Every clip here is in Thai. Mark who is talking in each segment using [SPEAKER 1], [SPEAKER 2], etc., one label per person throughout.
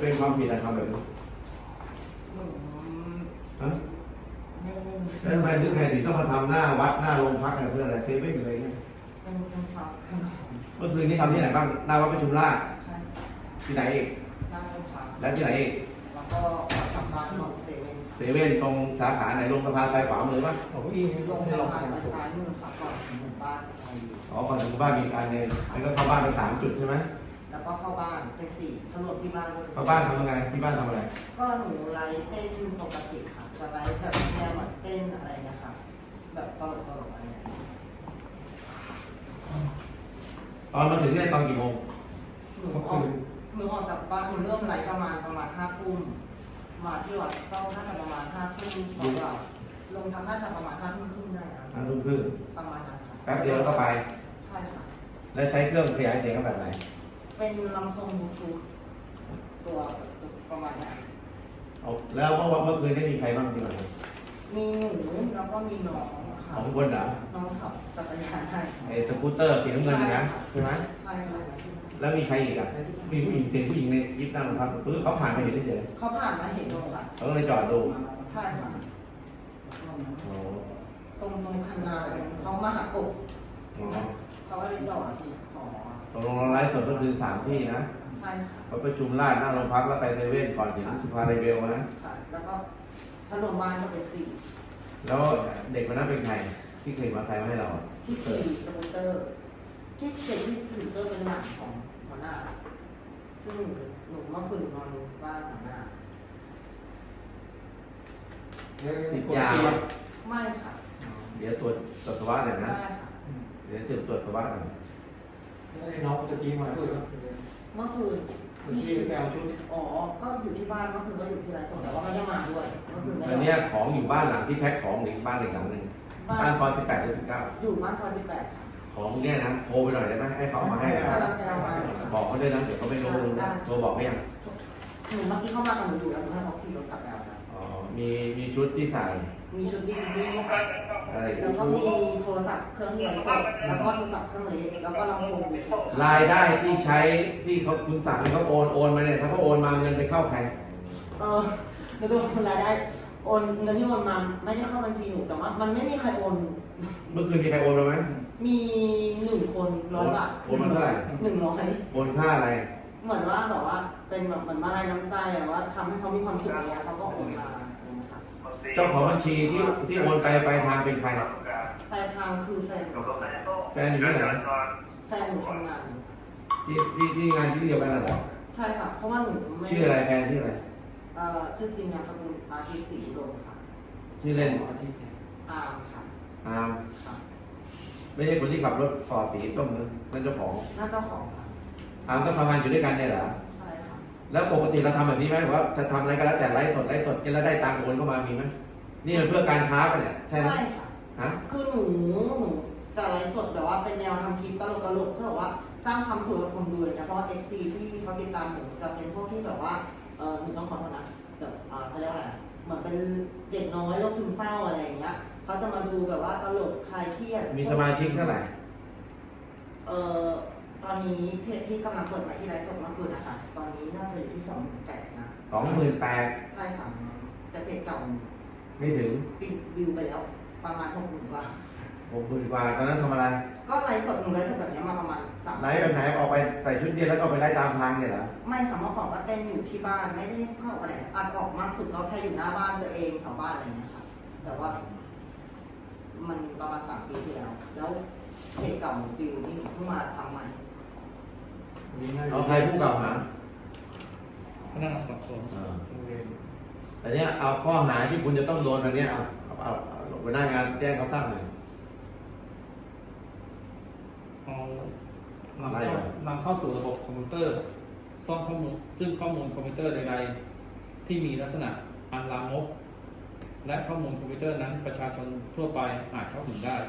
[SPEAKER 1] เป็นความผิดอะไรทำแบบนี้ฮะแล้วทำไมถึงไงถึงต้องมาทำหน้าวัดหน้าโรงพักอะไรเพื่ออะไรเซเว่นอะไรเงี้ยเมื่อคืนนี้ทำที่ไหนบ้างหน้าวัดประชุมราชที่ไหนอีกแล้วที่ไหนอีก
[SPEAKER 2] แล้วก็ทำร้านของ
[SPEAKER 1] เซเว่นตรงสาขาไหนลงสะพานไปขวามือป่ะ
[SPEAKER 2] ผมอีลงสะพานไปซ้ายมือครับก่อนถึงหมู่บ้านสกายอยู่
[SPEAKER 1] ก่อนถึงบ้านมีการเนี่ยแล้วก็เข้าบ้านไป3 จุดใช่ไหม
[SPEAKER 2] แล้วก็เข้าบ้านไป4ถนนที่บ้าน
[SPEAKER 1] เข้าบ้านทำยังไงที่บ้านทำอะไร
[SPEAKER 2] ก็หนูไลฟ์เต้นปกติค่ะจะไลฟ์แบบแนวเหมือนเต้นอะไรนะคะแบบตลกอะไรอย่างเงี้ย
[SPEAKER 1] ตอนมาถึงเนี่ยตอนกี่โมง
[SPEAKER 2] หนูออกจากบ้านหนูเริ่มไลฟ์ประมาณ5 ทุ่มมาที่วัดต้องน่าจะประมาณ5 ทุ่มกว่าลงทำน่าจะประมาณ5 ทุ่มครึ่งได้ครับ
[SPEAKER 1] 5 ทุ่มครึ่ง
[SPEAKER 2] ประมาณนั้นค่ะ
[SPEAKER 1] แป๊บเดียวก็ไป
[SPEAKER 2] ใช่ค่ะ
[SPEAKER 1] แล้วใช้เครื่องขยายเสียงแบบไหน
[SPEAKER 2] เป็นลำโพงบลูทูธตัวประมาณนี้
[SPEAKER 1] แล้วเมื่อคืนได้มีใครบ้างที่มา
[SPEAKER 2] มีหนูแล้วก็มีน้องค่ะ
[SPEAKER 1] 2 คนเหรอ
[SPEAKER 2] น้องขับจักรยานให้
[SPEAKER 1] ไอ้สกูตเตอร์สีน้ำเงินนะใช่ไหม
[SPEAKER 2] ใช่ค่ะ
[SPEAKER 1] แล้วมีใครอีกอ่ะมีผู้หญิงผู้หญิงในคลิปนั่งครับคือเขาผ่านมาเห็นเฉย
[SPEAKER 2] เขาผ่านมาเห็นตรงค่ะ
[SPEAKER 1] เขาเลยจอดดู
[SPEAKER 2] ใช่ค่ะตรงคันนาเขามาหากบเขาก็เลยจอด
[SPEAKER 1] ตกลงไลฟ์สดก็คือ3 ที่นะ
[SPEAKER 2] ใช่ค่ะ
[SPEAKER 1] เขาประชุมราชหน้าโรงพักแล้วไปเซเว่นก่อนถึงสุภาเรเบลนะ
[SPEAKER 2] ค่ะแล้วก็ถล่มบ้านก็เป็น
[SPEAKER 1] แล้วเด็กคนนั้นเป็นใครที่เคยมาใส่มาให้เรา
[SPEAKER 2] ที่ขี่สกูตเตอร์ที่เด็กที่สกูตเตอร์เป็นหลานของหัวหน้าซึ่งหนูเมื่อคืนนอนบ้านหัวหน้า
[SPEAKER 1] ติดยา
[SPEAKER 2] ไม่ค่ะ
[SPEAKER 1] เดี๋ยวตรวจปัสสาวะหน่อยนะเดี๋ยวตรวจปัสสาวะหน่อย
[SPEAKER 3] น้องจะกี้มาด้วยครับ
[SPEAKER 2] เมื่อคืน
[SPEAKER 3] ที่แกเอาชุด
[SPEAKER 2] อ๋อก็อยู่ที่บ้านเมื่อคืนก็อยู่ที่ไรส่งแต่ว่าไม่ได้มาด้วยเมื่อคืนไม่ได้
[SPEAKER 1] ตอนนี้ของอยู่บ้านหลังที่แพ็คของหรือบ้านหลังนึงบ้านซอย18 หรือ 19
[SPEAKER 2] อยู่บ้านซอย18ค่ะ
[SPEAKER 1] ของเนี่ยนะโทรไปหน่อยได้ไหมให้เขามาให้บอกเขาด้วยนะเดี๋ยวเขาไม่รู้โทรบอกเขายัง
[SPEAKER 2] หนูเมื่อกี้เข้ามากับหนูอยู่แล้วหนูให้เขาขี่รถกลับแล้วนะ
[SPEAKER 1] อ๋อมีชุดที่ใส่
[SPEAKER 2] มีชุดดีค่ะแล้วก็มีโทรศัพท์เครื่องไร้สดแล้วก็โทรศัพท์เครื่องเล็กแล้วก็ลำโพง
[SPEAKER 1] รายได้ที่ใช้ที่เขาคุณสั่งให้เขาโอนมาเนี่ยถ้าเขาโอนมาเงินไปเข้าใคร
[SPEAKER 2] แล้วดูรายได้โอนเงินที่โอนมาไม่ได้เข้าบัญชีหนูแต่ว่ามันไม่มีใครโอน
[SPEAKER 1] เมื่อคืนมีใครโอนมาไหม
[SPEAKER 2] มี1 คน100 บาท
[SPEAKER 1] โอนมาเท่าไหร่
[SPEAKER 2] 100
[SPEAKER 1] โอนค่าอะไร
[SPEAKER 2] เหมือนว่าแบบว่าเป็นแบบเหมือนมาลัยน้ำใจอะว่าทำให้เขามีความสุขเนี่ยเขาก็โอนมา
[SPEAKER 1] เจ้าของบัญชีที่โอนไปทางเป็นใคร
[SPEAKER 2] ไปทางคือแฟน
[SPEAKER 1] อยู่ที่ไหน
[SPEAKER 2] แฟนหนูทำงาน
[SPEAKER 1] ที่งานที่เดียวกันเหรอ
[SPEAKER 2] ใช่ค่ะเพราะว่าหนูไม่
[SPEAKER 1] ชื่ออะไรแฟนชื่ออะไร
[SPEAKER 2] ชื่อจริงนามสกุลอาทิตย์ศรีอุดมค่ะ
[SPEAKER 1] ชื่อเล่น
[SPEAKER 2] อาร์มค่ะ
[SPEAKER 1] อาร์มไม่ใช่คนที่ขับรถฟอร์ดสีส้มนะนั่นเจ้าของ
[SPEAKER 2] น่าเจ้าของค่ะ
[SPEAKER 1] อาร์มก็ทำงานอยู่ด้วยกันเนี่ยเหรอ
[SPEAKER 2] ใช่ค่ะ
[SPEAKER 1] แล้วปกติเราทำแบบนี้ไหมว่าจะทำอะไรก็แล้วแต่ไลฟ์สดกันแล้วได้ตังค์โอนเข้ามามีไหมนี่มันเพื่อการค้าปะเนี่ยใช่ไหม
[SPEAKER 2] ค่ะ
[SPEAKER 1] ฮะ
[SPEAKER 2] คือหนูจะไลฟ์สดแบบว่าเป็นแนวทำคลิปตลกเพื่อว่าสร้างความสุขกับคนดูเลยนะเพราะว่า FC ที่เขาติดตามหนูจะเป็นพวกที่แบบว่าหนูต้องขอโทษนะแบบเขาเรียกว่าอะไรเหมือนเป็นเด็กน้อยโรคซึมเศร้าอะไรอย่างเงี้ยเขาจะมาดูแบบว่าตลกคลายเครียด
[SPEAKER 1] มีสมาชิกเท่าไหร่
[SPEAKER 2] ตอนนี้เพจที่กำลังเปิดใหม่ที่ไลฟ์สดเมื่อคืนนะคะตอนนี้น่าจะอยู่ที่28,000นะ
[SPEAKER 1] 28,000
[SPEAKER 2] ใช่ค่ะแต่เพจเก่า
[SPEAKER 1] ไม่ถึง
[SPEAKER 2] ปิดวิวไปแล้วประมาณ60,000 กว่า
[SPEAKER 1] 60,000 กว่าตอนนั้นทำอะไร
[SPEAKER 2] ก็ไลฟ์สดหนูไลฟ์สดแบบนี้มาประมาณ
[SPEAKER 1] 3ไลฟ์แบบไหนออกไปใส่ชุดเดียวแล้วก็ไปไล่ตามทางเนี่ยเหรอ
[SPEAKER 2] ไม่ค่ะเมื่อก่อนก็เต้นอยู่ที่บ้านไม่ได้เข้าไปไหนอัดออกมากสุดก็แค่อยู่หน้าบ้านตัวเองแถวบ้านอะไรอย่างเงี้ยค่ะแต่ว่ามันประมาณ3 ปีที่แล้วเพจเก่าปิวนี่เพิ่งมาทำใหม่
[SPEAKER 1] เอาใครผู้กล่าวหา
[SPEAKER 3] พนักงานสอบสวน
[SPEAKER 1] แต่เนี้ยเอาข้อหาที่คุณจะต้องโดนอันเนี้ยเอาหัวหน้างานแจ้งเขาทราบหน่อย
[SPEAKER 3] นำเข้าสู่ระบบคอมพิวเตอร์ซ่อนข้อมูลซึ่งข้อมูลคอมพิวเตอร์ใดๆที่มีลักษณะอันลามกและข้อมูลคอมพิวเตอร์นั้นประชาชนทั่วไปอาจเข้าถึงได้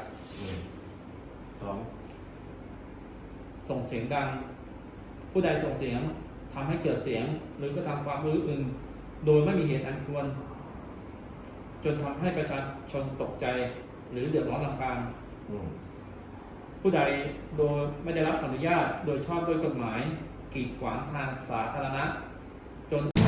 [SPEAKER 3] ส่งเสียงดังผู้ใดส่งเสียงทำให้เกิดเสียงหรือกระทำความอื้ออึงโดยไม่มีเหตุอันควรจนทำให้ประชาชนตกใจหรือเดือดร้อนรำคาญผู้ใดโดยไม่ได้รับอนุญาตโดยชอบด้วยกฎหมายกีดขวางทางสาธารณะจน